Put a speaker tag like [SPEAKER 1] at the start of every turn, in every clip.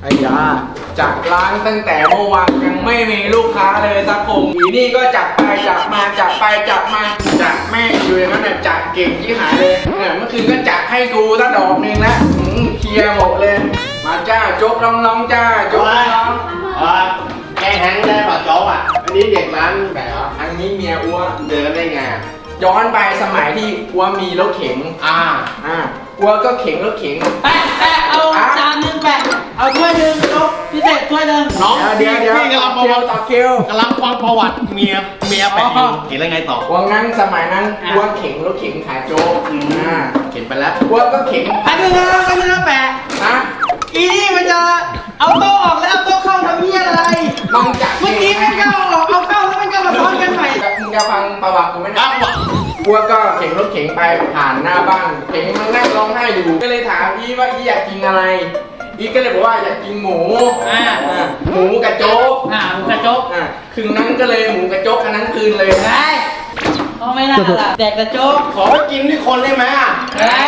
[SPEAKER 1] อ้ยาจัดร้านตั้งแต่เมื่อวานยังไม่มีลูกค้าเลยสักคนอีนี่ก็จัดไปจัดมาจัดไปจัดมาจัดแม่งอยู่อย่างนั้นน่ะจัดเก่งที่หายเลยเนี่ยเมื่อคืนก็จัดให้กูตั้งดอกนึงแล้วเคลียร์หมดเลยมาจ้าโจ๊กน้องๆจ้าโจ๊กน้อง
[SPEAKER 2] แกแฮงได้ป่ะโจ๊กอ่ะอันนี้เด็กร้านไหนวะ
[SPEAKER 1] อันนี้เมียอ้ว
[SPEAKER 2] เดินได้ไง
[SPEAKER 1] ย้อนไปสมัยที่อ้วมีรถเข็งอ้วก็เข็งรถเข็ง
[SPEAKER 3] แปะเอาจานนึงแปะเอาถ้วยนึงโจ๊กพิเศษถ้วยนึง
[SPEAKER 2] น้อง
[SPEAKER 1] เดี๋ยว
[SPEAKER 2] พี่กำลังประวัติ
[SPEAKER 1] ต่อคิว
[SPEAKER 2] กำลังฟังประวัติเมียไปเห็นอะไรไงต่อ
[SPEAKER 1] วันนั้นสมัยนั้นอ้วเข็งรถเข็งขายโจ๊ก
[SPEAKER 2] เข็นไปแล้ว
[SPEAKER 1] อ้วก็เข็ง
[SPEAKER 3] ไปนึงนะแปะอีนี่มันจะเอาโต๊ะออกแล้วเอาโต๊ะเข้าทำเหี้ยอะไร
[SPEAKER 1] มึงจัด
[SPEAKER 3] เมื่อกี้ไม่เข้าออกเอาเข้าแล้วมันก็มาซ้อนกันใหม่
[SPEAKER 1] มึงจะฟังประวัติกูไหมนะอ้วก็เข็งรถเข็งไปผ่านหน้าบ้านเข็งมันนั่งร้องไห้อยู่ก็เลยถามอีว่าอีอยากกินอะไรอีก็เลยบอกว่าอยากกินหมูหมูกระโจ๊ก
[SPEAKER 3] หมูกระโจ๊ก
[SPEAKER 1] คืนนั้นก็เลยหมูกระโจ๊กอันนั้นคืนเลย
[SPEAKER 3] ได้เอาไม่น่าละแดกกระโจ๊ก
[SPEAKER 2] ขอไปกินที่คนได้ไหม
[SPEAKER 3] ได้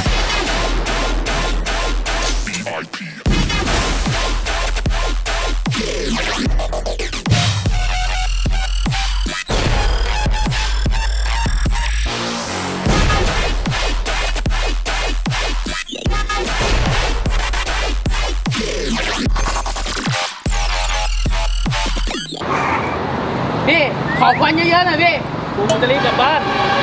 [SPEAKER 3] พี่ขอควันเยอะๆหน่อยพี่ผมจะรีบกลับบ้าน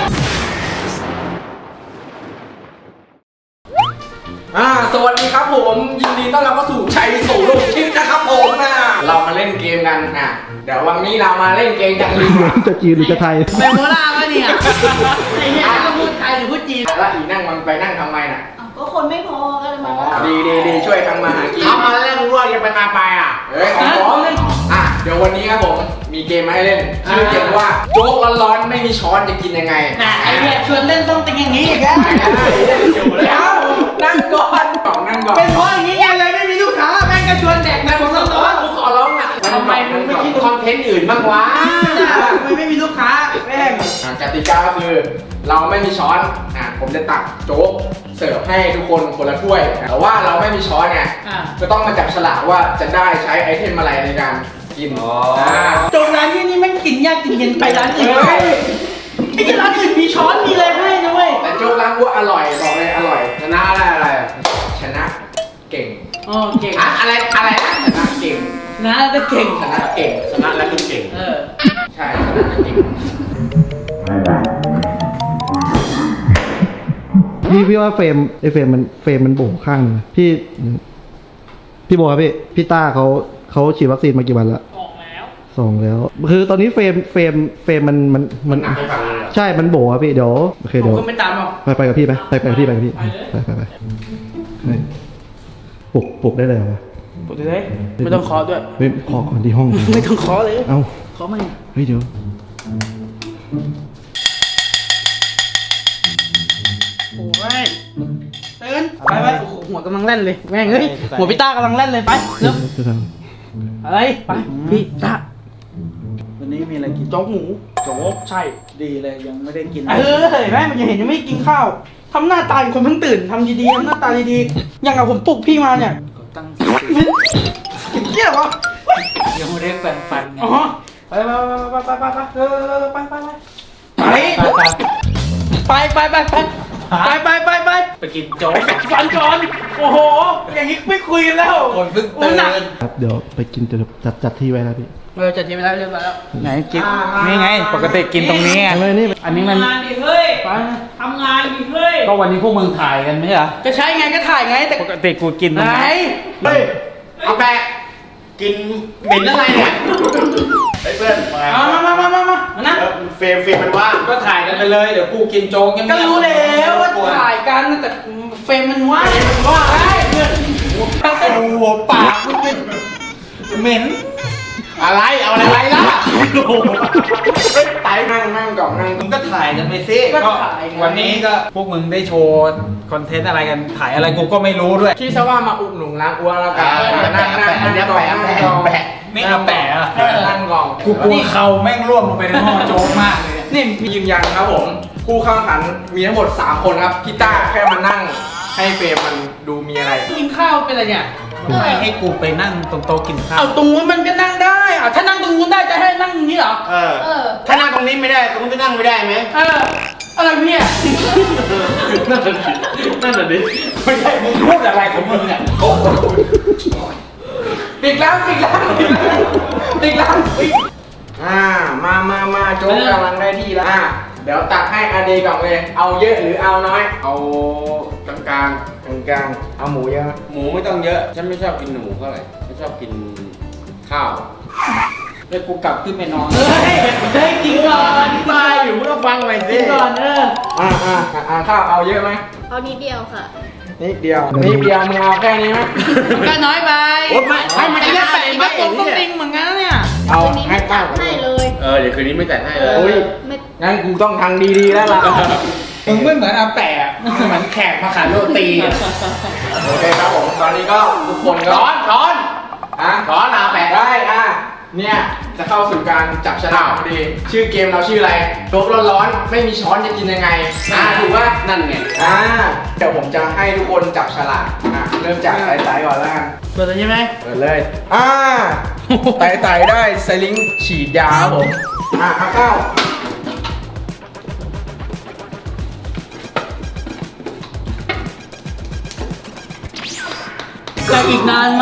[SPEAKER 1] สวัสดีครับผมยินดีต้อนรับเข้าสู่ชัยสู่โลกชิปนะครับผมเรามาเล่นเกมกันเดี๋ยววันนี้เรามาเล่นเกมกัน
[SPEAKER 4] จะจีนหรือจะไทย
[SPEAKER 3] แมโมล่าวะเนี่ยไอ้เหี้ยจะพูดไทยหรือพูดจีน
[SPEAKER 1] แล้วอีนั่งมันไปนั่งทำไมน่ะ
[SPEAKER 3] ก็คนไม่พอก็เลยมา
[SPEAKER 1] ดีช่วยทำมาหากิน
[SPEAKER 2] เอามาเล่นรวดกันไปมาไป
[SPEAKER 1] ของผมเดี๋ยววันนี้ครับผมมีเกมมาให้เล่นชื่อเกมว่าโจ๊กร้อนๆไม่มีช้อนจะกินยังไง
[SPEAKER 3] ไอ้เนี่ยชวนเล่นต้องเป็นอย่างนี้อีกแล้ว
[SPEAKER 1] แล้วนั่งก่อน
[SPEAKER 3] เป็นเพราะอย่างนี้ไงเลยไม่มีลูกค้าแม่งก็ชวนแดกแม่งผมร้อน
[SPEAKER 1] ขอร้อง
[SPEAKER 2] ทำไมมึงไม่คิดคอนเทนต์อื่นบ้างวะ
[SPEAKER 3] ไม่มีลูกค้าแม่ง
[SPEAKER 1] กติกาก็คือเราไม่มีช้อนผมจะตักโจ๊กเสิร์ฟให้ทุกคนคนละถ้วยแต่ว่าเราไม่มีช้อนไงก็ต้องมาจับฉลากว่าจะได้ใช้ไอเทมอะไรในการกิน
[SPEAKER 3] โจ๊กร้านที่นี่แม่งกินยากกินเย็นไปร้านอื่นไม่ใช่ร้านอื่นมีช้อนมีอะไรให้นะเว้ย
[SPEAKER 1] แต่โจ๊กร้านกูอร่อยบอกเลยอร่อย
[SPEAKER 2] ชนะอะไร
[SPEAKER 1] ชนะเก่ง
[SPEAKER 3] เก่ง
[SPEAKER 1] อะไรชนะเก่ง
[SPEAKER 3] นะจะเก่ง
[SPEAKER 1] ชนะเก่ง
[SPEAKER 2] ชนะแล้วคือเก่ง
[SPEAKER 1] ใช่ชนะเก่ง
[SPEAKER 4] พี่ว่าเฟรมมันโบ๋ข้างนะพี่โบครับพี่ต้าเขาฉีดวัคซีนมากี่วันละ2 แล้วคือตอนนี้เฟรมมันใช่มันโบ๋ครับพี่เดี๋ยวโอเคเดี๋ยว
[SPEAKER 3] ไม่ตามหรอก
[SPEAKER 4] ไปกับพี่ไปกับพี่ไปปลุกได้เลยเหรอ
[SPEAKER 3] ปลุกได้เลยไม่ต้องเคาะด้วย
[SPEAKER 4] เคาะก่อนที่ห้อง
[SPEAKER 3] ไม่ต้องเคาะเลย
[SPEAKER 4] เอ้า
[SPEAKER 3] เคาะไหม
[SPEAKER 4] เฮ้ยเดี๋ยว
[SPEAKER 3] โอ้ยเตือนไปหัวกำลังเล่นเลยแม่งเฮ้ยหัวพี่ต้ากำลังเล่นเลยไปเร็วอะไรไปพี่ต้าวันนี้มีอะไรกินโจ๊กหมูโจ๊กใช่ดีเลยยังไม่ได้กินแม่มันยังเห็นยังไม่กินข้าวทำหน้าตาคนเพิ่งตื่นทำดีๆทำหน้าตาดีๆอย่างกับผมปลุกพี่มาเนี่ยตั้งเกี่ยววะ
[SPEAKER 1] ยังไม่ได้แปรงฟัน
[SPEAKER 3] อ๋อไป
[SPEAKER 1] กินโจ๊ก
[SPEAKER 3] ฟันก่อนโอ้โหอย่างนี้ไม่คุยกันแล้ว
[SPEAKER 1] คนเพิ่งตื่น
[SPEAKER 4] ครับเดี๋ยวไปกินจัดที่ไว้แล้วพี่
[SPEAKER 3] จัดที่ไว้แล้วเรียบร้อยแล้ว
[SPEAKER 4] ไหนกิน
[SPEAKER 3] นี่ไงปกติกินตรงนี้ไงอันนี้มัน
[SPEAKER 5] ทำงานดิเฮ้ยทำงานดิเฮ้ย
[SPEAKER 3] ก็วันนี้พวกมึงถ่ายกันไม่ใช่เหรอก็ใช่ไงก็ถ่ายไงแต่ปกติกูกินตรงไหน
[SPEAKER 2] เฮ้ยเอาแปะกินเหม็นอะไรเนี่ยเพื่อน
[SPEAKER 3] มานะ
[SPEAKER 2] เฟรมมันว่าง
[SPEAKER 1] ก็ถ่ายกันไปเลยเดี๋ยวกูกินโจ๊ก
[SPEAKER 3] ก็รู้แล้วว่าถ่ายกันแต่เฟรมมันว่างได้เพื่อน
[SPEAKER 2] หัวปาก
[SPEAKER 3] เหม็น
[SPEAKER 2] อะไรเอาอะไรล่ะ
[SPEAKER 1] ไปนั่งก่อนนั่ง
[SPEAKER 2] มึงก็ถ่ายกันไปสิ
[SPEAKER 3] ก็
[SPEAKER 2] วันนี้ก็พวกมึงได้โชว์คอนเทนต์อะไรกันถ่ายอะไรกูก็ไม่รู้ด้วย
[SPEAKER 1] ที่ซะว่ามาอุดหนุนร้านอ้วนแล้วกันนั่ง
[SPEAKER 2] แปะ
[SPEAKER 3] ไม่เอาแปะ
[SPEAKER 1] นั่งก่อน
[SPEAKER 2] กูกลัวเขาแม่งร่วงลงไปในห้องโจ๊กมากเลย
[SPEAKER 1] นี่ยืนยันครับผมผู้เข้าแข่งขันมีทั้งหมด3 คนครับพี่ต้าแค่มานั่งให้เฟรมมันดดูมีอะไร
[SPEAKER 3] กินข้าวเป็นอะไรเนี่ย
[SPEAKER 2] ไม่ให้กูไปนั่งตรงโต๊ะกินข้าว
[SPEAKER 3] เอาตรงนู้นมันก็นั่งได้อะถ้านั่งตรงนู้นได้จะให้นั่งตรงนี้เหรอ
[SPEAKER 2] ถ้านั่งตรงนี้ไม่ได้ตรงนู้นจะนั่งไม่ได้ไหม
[SPEAKER 3] อะไรเนี่ย
[SPEAKER 2] นั่นน่ะดิไม่ใช่มึงพูดอะไรของมึงเนี่ยโอ้โห
[SPEAKER 1] ปิดแล้วมาโจ๊กกำลังได้ที่แล้วเดี๋ยวตักให้อาเดก่อนเลย เอาเยอะหรือเอาน้อย
[SPEAKER 2] เอากลาง
[SPEAKER 1] กลางเอาหมูเยอะไหม
[SPEAKER 2] ๆหมูไม่ต้องเยอะฉันไม่ชอบกินหมูเท่าไหร่ฉันชอบกินข้าวแล้วกูกลับขึ้นไปนอน
[SPEAKER 3] เฮ้ยกินก่อน
[SPEAKER 2] ตายอยู่มึงก็ฟังไปสิ
[SPEAKER 3] กินก่อน
[SPEAKER 1] ข้าวเอาเยอะไหม
[SPEAKER 6] เอานิดเดียวค่ะ
[SPEAKER 1] นิดเดียวมึงเอาแค่นี้ไหม
[SPEAKER 3] ก็น้อยไป
[SPEAKER 2] โอ๊ยไม่ให้มัน
[SPEAKER 3] ไอ้
[SPEAKER 2] ได้
[SPEAKER 3] เนี่ย
[SPEAKER 2] ไห
[SPEAKER 3] แปะ
[SPEAKER 2] ม
[SPEAKER 3] ก็ตรงต้องติงเหมือนกันนะเนี่ย
[SPEAKER 1] เอา
[SPEAKER 6] คืนนี้
[SPEAKER 1] ให้
[SPEAKER 6] ไม่
[SPEAKER 1] ข้า
[SPEAKER 6] จั
[SPEAKER 1] ว
[SPEAKER 6] ดให้เลย
[SPEAKER 2] เดี๋ยวคืนนี้ไม่แต่งให้เลย
[SPEAKER 1] โอ้ย
[SPEAKER 6] ไม่
[SPEAKER 1] งั้นกูต้องทางดีๆแล้วล่ะ
[SPEAKER 2] มึงไม่เหมือนอาแปะมึงเหมือนแขกมาขายโรตีอ่ะ
[SPEAKER 1] โอเคครับผมตอนนี้ก็ทุกคนก็
[SPEAKER 2] ช้อน
[SPEAKER 1] อ่ะ
[SPEAKER 2] อาแปะ
[SPEAKER 1] ได้เนี่ยจะเข้าสู่การจับฉลากพอดี ชื่อเกมเราชื่ออะไรโจ๊กร้อนๆไม่มีช้อนจะกินยังไงถูกป่ะ
[SPEAKER 2] นั่นไง
[SPEAKER 1] เดี๋ยวผมจะให้ทุกคนจับฉลากเริ่มจากไต่ๆก่อนแล้วกัน
[SPEAKER 3] เปิดเลยใช่ไหม
[SPEAKER 1] เปิดเลยไต่ๆได้ไซลิงฉีดยาครับผมเอาเข้า
[SPEAKER 3] จะอีกนานไหม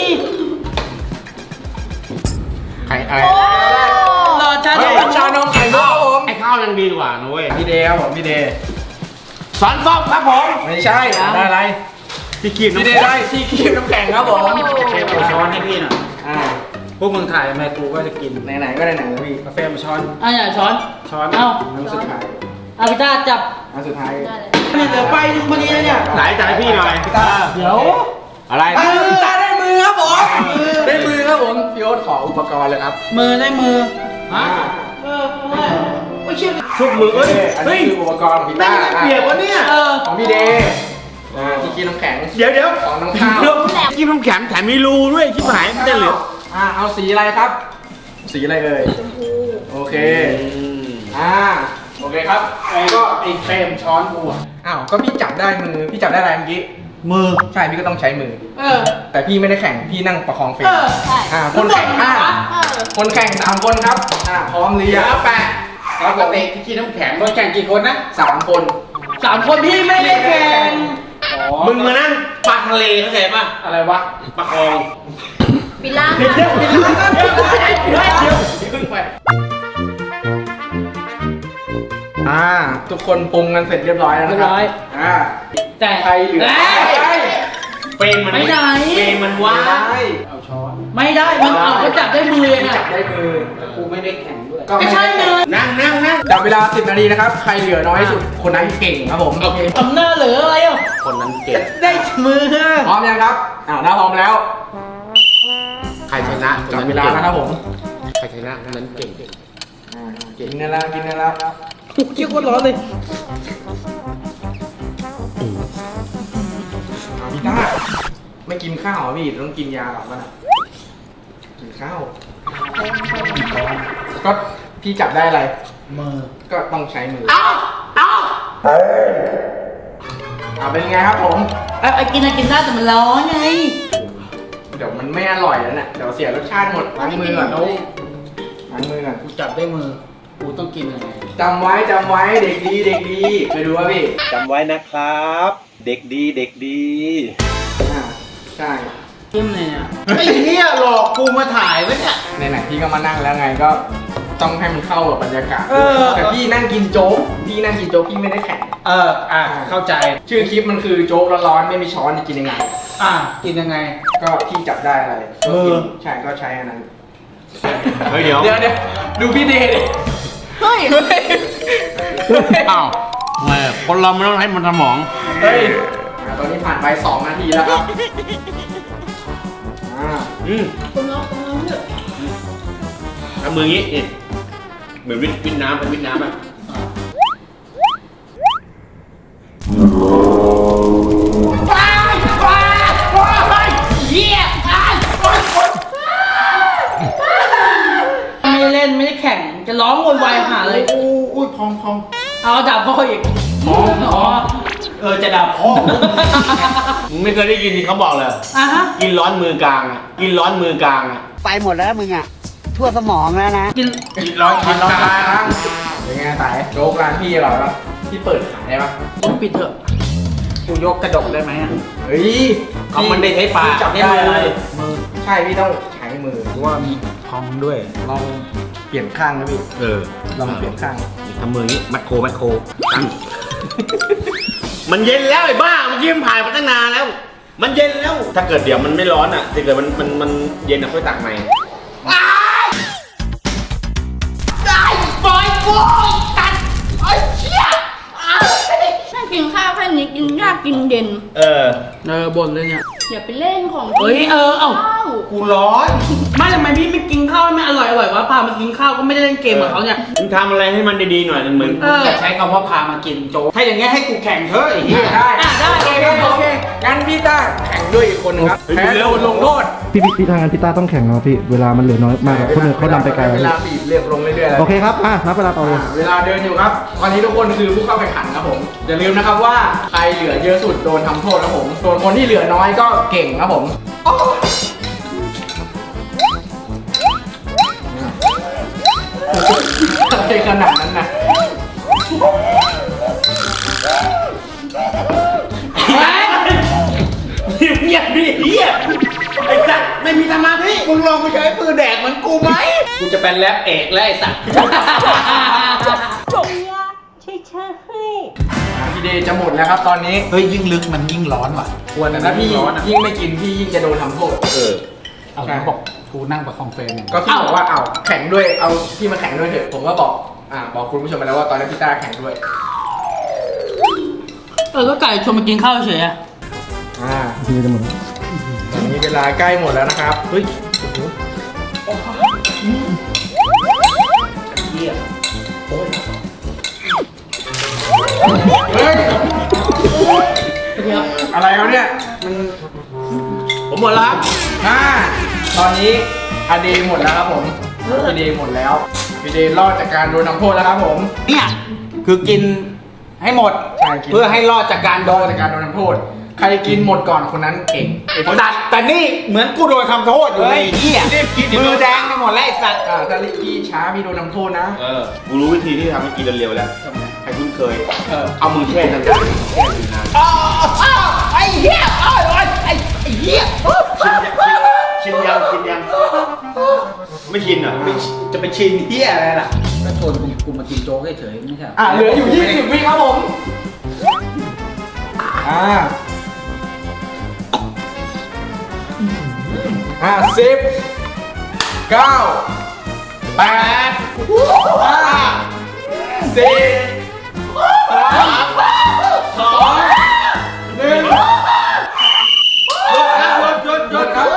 [SPEAKER 1] ไข่อะไร
[SPEAKER 3] รอชา
[SPEAKER 1] เฮ้ยชานมไข่มุกครับผม
[SPEAKER 2] ไอ้ข้าวยังดีกว่านะเว้ย
[SPEAKER 1] พี่เดย์ครับผมพี่เดย์
[SPEAKER 2] สอนส้มครับผม
[SPEAKER 1] ไม่ใช่ได้อะไร
[SPEAKER 2] พี่กีบ
[SPEAKER 1] พี่เดย์ได้ที่คีบน้ำแข็งครับผม
[SPEAKER 2] เชฟเอาช้อนให้พี่หน่อย พวกมึงถ่ายทำไมกูก็จะกิน
[SPEAKER 1] ไหนๆก็ไหนๆแล้วพี่
[SPEAKER 2] กาแฟมาช้อน
[SPEAKER 3] อย่าช้อน
[SPEAKER 2] ช้อน
[SPEAKER 3] เอ้า
[SPEAKER 1] อันสุดท้าย
[SPEAKER 3] เอาพี่ต้าจับ
[SPEAKER 1] อันสุดท้าย
[SPEAKER 6] ได้เลย
[SPEAKER 3] เนี่ยเหลือไปถึงพอดีเลยเนี่ย
[SPEAKER 2] ไหนจ่ายให้พี่หน่อย
[SPEAKER 3] เดี๋ยว
[SPEAKER 2] อะไร
[SPEAKER 1] ตาได้มือครับผมได้มือครับผมพี่โอ๊ตขออุปกรณ์เลยครับ
[SPEAKER 3] มือได้มือ
[SPEAKER 1] อ่า
[SPEAKER 3] ไม่เชื่อ
[SPEAKER 2] ชุบมือเอ้ย
[SPEAKER 1] อัน
[SPEAKER 2] เฮ้ย
[SPEAKER 1] นี้คืออุปกรณ์ของพี่
[SPEAKER 2] แม่
[SPEAKER 1] ต้าง
[SPEAKER 2] ได้เปรียบวะเนี่ย
[SPEAKER 1] ของพี่เดย์ที่คีบน้ำแข็ง
[SPEAKER 2] เดี๋ยว
[SPEAKER 1] ของน้องข้าว
[SPEAKER 2] กินน้ำแข็งแถมมีรูด้วยชิบหายไม่ได้เหลือ
[SPEAKER 1] เอาสีอะไรครับ สีอะไรเอ่ย
[SPEAKER 6] ชมพู
[SPEAKER 1] โอเคโอเคครับ
[SPEAKER 2] ก็ไอ้เฟรมช้อนกูอ่ะ
[SPEAKER 1] ก็พี่จับได้มือพี่จับได้อะไรเมื่อกี้
[SPEAKER 2] มือ
[SPEAKER 1] ใช่พี่ก็ต้องใช้มือ
[SPEAKER 3] เออ
[SPEAKER 1] แต่พี่ไม่ได้แข่งพี่นั่งประคองเฟรม
[SPEAKER 6] ใช่
[SPEAKER 1] คนแข่ง
[SPEAKER 6] เออ
[SPEAKER 1] คนแข่ง3 คนครับพร้อมหรือ
[SPEAKER 2] เดี๋
[SPEAKER 1] ยั
[SPEAKER 2] ยว
[SPEAKER 1] ง
[SPEAKER 2] แปะปกติที่กินน้ำแข็งคนแข่งกี่คนนะ
[SPEAKER 1] 3 คน
[SPEAKER 3] 3 คนพี่ไม่ได้แข่ง
[SPEAKER 2] มึงมานั่งปลาทะเลเข้าใจป่ะ
[SPEAKER 1] อะไรวะ
[SPEAKER 2] ปลาคลอง
[SPEAKER 6] ปิล่า
[SPEAKER 1] เดี๋ยว
[SPEAKER 6] ค่ะ
[SPEAKER 1] พึ่งไปทุกคนปรุงกันเสร็จเรียบร้อยแล้วนะครับ
[SPEAKER 3] แต่
[SPEAKER 1] ใครเหลือ
[SPEAKER 2] เฟรมมัน
[SPEAKER 3] ไม่ได้
[SPEAKER 2] เฟรมมันว่าง
[SPEAKER 1] เอาช้อน
[SPEAKER 3] ไม่ได้ มันเอาเขาจับได้มือเลย
[SPEAKER 1] จั
[SPEAKER 3] อ่ะ
[SPEAKER 1] บได้มือ
[SPEAKER 2] กูไม่ได้แข่งด้วย
[SPEAKER 1] ก็
[SPEAKER 3] ไม่ใช่เลย
[SPEAKER 2] นั่ง
[SPEAKER 1] จับเวลา10 นาทีนะครับ ใครเหลือน้อยที่สุดคนนั้นเก่งครับผมโอเค
[SPEAKER 3] ทำหน้าเหลืออะไรอ่ะ
[SPEAKER 2] คนนั้นเก่ง
[SPEAKER 3] ได้มือ
[SPEAKER 1] พร้อมยังครับถ้าพร้อมแล้ว
[SPEAKER 2] ใครชนะ
[SPEAKER 1] จับเวลานะครับผม
[SPEAKER 2] ใครชนะคนนั้นเก่ง
[SPEAKER 1] กินกันแล้วกินกันแล้ว
[SPEAKER 3] เกี่ยวกับร้อนเลย
[SPEAKER 1] พี่ต้าไม่กินข้าวเหรอพี่ต้องกินยาหรอมันอ่ะกินข้าวก็พี่จับได้อะไร
[SPEAKER 2] มือ
[SPEAKER 1] ก็ต้องใช้มือเป็นไงครับผม
[SPEAKER 3] กินได้แต่มันร้อนไง
[SPEAKER 1] เดี๋ยวมันไม่อร่อยแล้วเนี่ยเดี๋ยวเสียรสชาติหมดล้างมือก่อนล้างมือก่อน
[SPEAKER 2] กูจับได้มือ กูต้องกินยังไง
[SPEAKER 1] จำไว้เด็กดีไปดูว่าพี่
[SPEAKER 7] จำไว้นะครับ เด็กดีเด็กดี
[SPEAKER 1] ใช่
[SPEAKER 3] จิ้มเลยเนี่ย
[SPEAKER 2] ไอ้เหี้ยหลอกกูมาถ่ายไว้เนี่ย
[SPEAKER 1] ไหนๆพี่ก็มานั่งแล้วไงก็ต้องให้มันเข้ากับบรรยากาศแต่พี่นั่งกินโจ๊กพี่ไม่ได้แข่ง
[SPEAKER 2] เข้าใจ
[SPEAKER 1] ชื่อคลิปมันคือโจ๊กร้อนๆไม่มีช้อนจะกินยังไง
[SPEAKER 2] กินยังไง
[SPEAKER 1] ก็พี่จับได้อะไรก็กินใช่ก็ใช้อันนั้น
[SPEAKER 2] เฮ้ยเดี๋ยว
[SPEAKER 1] ดูพี่เดย์ดิ
[SPEAKER 6] เฮ้ย
[SPEAKER 2] อ้าวแหมคนเราไม่ต้องให้มันสมอง
[SPEAKER 1] เฮ้ยตอนนี้ผ่านไป2 นาทีแล้วครับ
[SPEAKER 6] คุณลองเถอะ
[SPEAKER 2] ทำมืองี้นี่เหมือนวิทน้ำเป็นวิทน้ำอ่ะ
[SPEAKER 3] ไม่ได้เล่นไม่ได้แข่ง จะร้องโวยวายหาเลย
[SPEAKER 2] อุ้ยพอง
[SPEAKER 3] เอาดับพ่ออีก
[SPEAKER 1] อ๋อ
[SPEAKER 3] จะด่าพ่อ
[SPEAKER 2] มึงไม่เคยได้ยินที่เขาบอกเลย
[SPEAKER 3] อ่ะฮะ
[SPEAKER 2] กินร้อนมือกลางอ่ะ กินร้อนมือกลางอ่ะ
[SPEAKER 8] ไปหมดแล้วมึงอ่ะ ทั่วสมองแล้วนะ
[SPEAKER 3] กิน
[SPEAKER 2] กินร้อน
[SPEAKER 1] กินร้อนกลางเป็นไงสายโจ๊กร้านพี่อร่อยปะที่เปิดขายได้ปะ
[SPEAKER 3] ต้องปิดเถอะกูยกกระดกได้ไหมอ่ะ
[SPEAKER 1] เฮ้ย
[SPEAKER 2] เอามันได้ใช้ปาก
[SPEAKER 1] จับ
[SPEAKER 3] ได้
[SPEAKER 1] ได้
[SPEAKER 3] มือ
[SPEAKER 1] เลยใช่พี่ต้องใช้มือ
[SPEAKER 3] เพราะว่ามีพองด้วย
[SPEAKER 1] ลองเปลี่ยนข้างนะพี่
[SPEAKER 2] เออ
[SPEAKER 1] ลองเปลี่ยนข้าง
[SPEAKER 2] ทำมืออย่างนี้มัดโค มันเย็นแล้วไอ้บ้าเมื่อกี้มันผ่านมาตั้งนานแล้ว มันเย็นแล้ว ถ้าเกิดเดี๋ยวมันไม่ร้อนอ่ะถ้าเกิดมันเย็นอ่ะค่อยตักใหม่
[SPEAKER 6] ถ้ากินข้าวแค่นี้กินยากกินเด่น
[SPEAKER 2] เออ
[SPEAKER 3] บ่นเลยเนี่ย
[SPEAKER 6] อย่าไปเล่นของ
[SPEAKER 3] เอ้ยเอ้า
[SPEAKER 6] ข้าว
[SPEAKER 2] กูร้อน
[SPEAKER 3] ไม่ทำไมพี่ไม่กินข้าวให้มันอร่อยวะพามากินข้าวก็ไม่ได้เล่นเกมกับเขาเนี่ย
[SPEAKER 2] มึงทำอะไรให้มันดีๆหน่อยเหมือน
[SPEAKER 3] อย่าใช้คำว่าพามากินโจ๊กถ้าอย่างเงี้ยให้กูแข่งเถอะไอ้เหี้ย
[SPEAKER 1] ได้
[SPEAKER 3] ได้
[SPEAKER 1] โอเคโอเคงั้นพี่ต้าแข่งด้วยอีกคนนึงครับแพ้โดนลงโทษ
[SPEAKER 4] พี่ทางานพี่ต้าต้องแข่งเนาะพี่เวลามันเหลือน้อยมากอะคนอื่นเขานำไปไกลแล้ว
[SPEAKER 1] เวลาบีบเรียบลงเรื่อยๆแล้ว
[SPEAKER 4] โอเคครับนับเวลาต่อเลย
[SPEAKER 1] เวลาเดินอยู่ครับตอนนี้ทุกคนคือผู้เข้าแข่งขันครับผมอย่าลืมนะครับว่าใครเหลือเยอะสุดโดนทำโทษครับผมส่วนคนที่เหลือน้อยก็เก่งครับผมอะไรขนาดนั้นนะ
[SPEAKER 2] เงียบดิเฮียไอ้สัตว์ไม่มีสมาธิมึงลองไปใช้ปืนแดกเหมือนกูไหม
[SPEAKER 3] กูจะเป็นแรปเอกแล้วไอ้สัส
[SPEAKER 1] พี่เดย์จะหมดแล้วครับตอนนี้
[SPEAKER 3] เฮ้ยยิ่งลึกมันยิ่งร้อนว่ะ
[SPEAKER 1] ควรแต่ถ้าพี่ยิ่งไม่กินพี่ยิ่งจะโดนทำโทษ
[SPEAKER 2] เออ
[SPEAKER 3] เอาบอกกูนั่งประคองเฟรมเนี่ย
[SPEAKER 1] ก็พี่บอกว่าเอาแข่งด้วยเอาพี่มาแข่งด้วยเถอะผมก็บอกบอกคุณผู้ชมไปแล้วว่าตอนนี้พี่ต้าแข่งด้วย
[SPEAKER 3] ก็ไก่ชวนมากินข้าวเฉยอะ
[SPEAKER 4] พี่จะหมดแล้ว
[SPEAKER 1] ตอนนี้เวลาใกล้หมดแล้วนะครับเฮ้ยเฮ้ยอะไรเขาเนี่ยมัน
[SPEAKER 2] ผมหมดแล้วครับ
[SPEAKER 1] ตอนนี้อเดย์หมดแล้วครับผมพี่เดย์หมดแล้วพี่เดย์รอดจากการโดนทำโทษแล้วครับผม
[SPEAKER 3] เนี่ยคือกินให้หมด
[SPEAKER 1] ใช่กิน
[SPEAKER 3] เพื่อให้รอดจากการ
[SPEAKER 1] ร
[SPEAKER 3] โด
[SPEAKER 1] อด
[SPEAKER 3] น
[SPEAKER 1] จากการโดนทำโทษ ใครกินหมดก่อนคนนั้นเก่ง
[SPEAKER 3] แต่นี่เหมือนกูโดนทำโทษอยู่เลยไอ้เหี้ย
[SPEAKER 2] รีบกิน
[SPEAKER 3] มือแดงไปหมดแล้วไอ้สัตว์
[SPEAKER 1] ถ้าลิกกี้ช้าพี่โดนทำโทษนะ
[SPEAKER 2] กูรู้วิธีที่ทำให้กินเร็วๆแล้วให้คุ้นเคย เอามือแช่นาน
[SPEAKER 3] ไอ้เหี้ยไอ้เหี้ย
[SPEAKER 2] ๆชินยังไม่ชินเหรอ
[SPEAKER 3] จะไปชินเหี้ยอะไรล่ะก็ชวนกูมากินโจ๊กเฉยๆไม่ใช่
[SPEAKER 1] เหลืออยู่20 วิครับผม10 9 8 หยุดครับ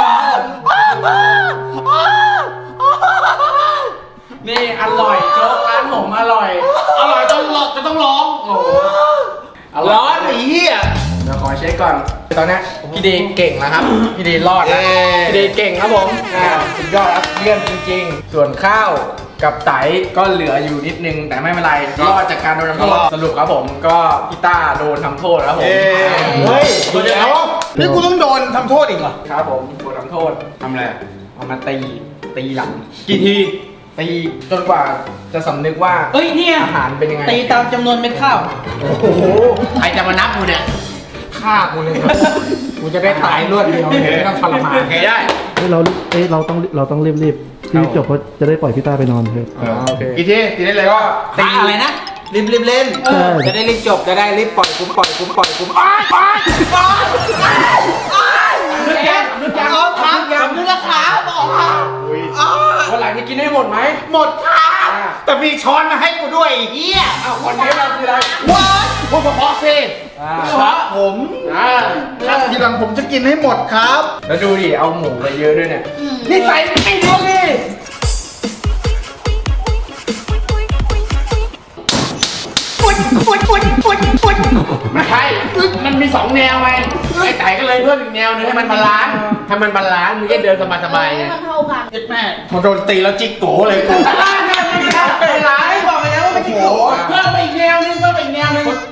[SPEAKER 1] นี่อร่อยโจ๊กร้านผมอร่อยจะต้องร้องโอ้โห
[SPEAKER 3] ร้อนไอ้เหี้ย
[SPEAKER 1] เดี๋ยวขอเช็คก่อนตอนนี้พี่เดย์เก่งแล้วครับพี่เดย์รอดแล้วพี่เดย์เก่งครับผมสุดยอดครับเยี่ยมจริงๆส่วนข้าวกับไตก็เหลืออยู่นิดนึงแต่ไม่เป็นไรรอดจากการโดนทำโทษสรุปครับผมก็พี่ต้าโดนทำโทษครับผม
[SPEAKER 3] เฮ้ยเดี๋ยวนี่กูต้องโดนทำโทษอีกเหรอ
[SPEAKER 1] ครับผมโดนทำโทษ
[SPEAKER 2] ทำอะไร
[SPEAKER 1] เอามาตีหลัง
[SPEAKER 2] กี่ที
[SPEAKER 1] ตีจนกว่าจะสำนึกว่า
[SPEAKER 3] เอ้ยเนี่ย
[SPEAKER 1] อาหารเป็นยังไง
[SPEAKER 3] ตีตามจำนวนเม็ดข้าว
[SPEAKER 1] โอ้โห
[SPEAKER 3] ใครจะมานับกูเนี่ย
[SPEAKER 1] ฆ่ากูเลยครับกูจะได้ตายรวดเดียวเลยไม่ต้องทรมาน
[SPEAKER 2] โอเคได้
[SPEAKER 4] เราต้องรีบพี่จบเพราะจะได้ปล่อยพี่ต้าไปนอนเถอะ
[SPEAKER 1] โอเค
[SPEAKER 2] กี่ทีตีได้เลยว่า
[SPEAKER 3] ตีอะไรนะรีบเล่น
[SPEAKER 4] ใช่
[SPEAKER 3] จะได้รีบจบจะได้รีบปล่อยคุ้มอ้ายนึกยังเอาขาอย่างนึกละขาบอกค่ะ
[SPEAKER 1] วันหลังจะกินให้หมดไหม
[SPEAKER 3] หมดค่ะแต่มีช้อนมาให้กูด้วยไอ้เฮีย
[SPEAKER 1] อ้าวคอนเทนต์เราคืออะไร
[SPEAKER 3] ว้ายพวกพอสิครับผม
[SPEAKER 1] ครับทีหลังผมจะกินให้หมดครับ แล้วดูดิเอาหมูไปเยอะด้วยเนี่ย
[SPEAKER 3] นี่ใส่ไม่ดูดิ
[SPEAKER 2] ไม่ใช่มันมี2แนวไงไอ้ไต่ก็เลยเพิ่มอีกแนวนึงให้มันบาลานซ์มึงจะเดินสบายๆไง
[SPEAKER 6] ให้มันเท่ากัน
[SPEAKER 3] เจ็ดแม่
[SPEAKER 2] พอโดนตีแล้วจิกโกเลยกู
[SPEAKER 3] ไม่ร้ายบอกไปแล้วว่าไม่ใช่โกเพิ่มไปอีกแนวนึง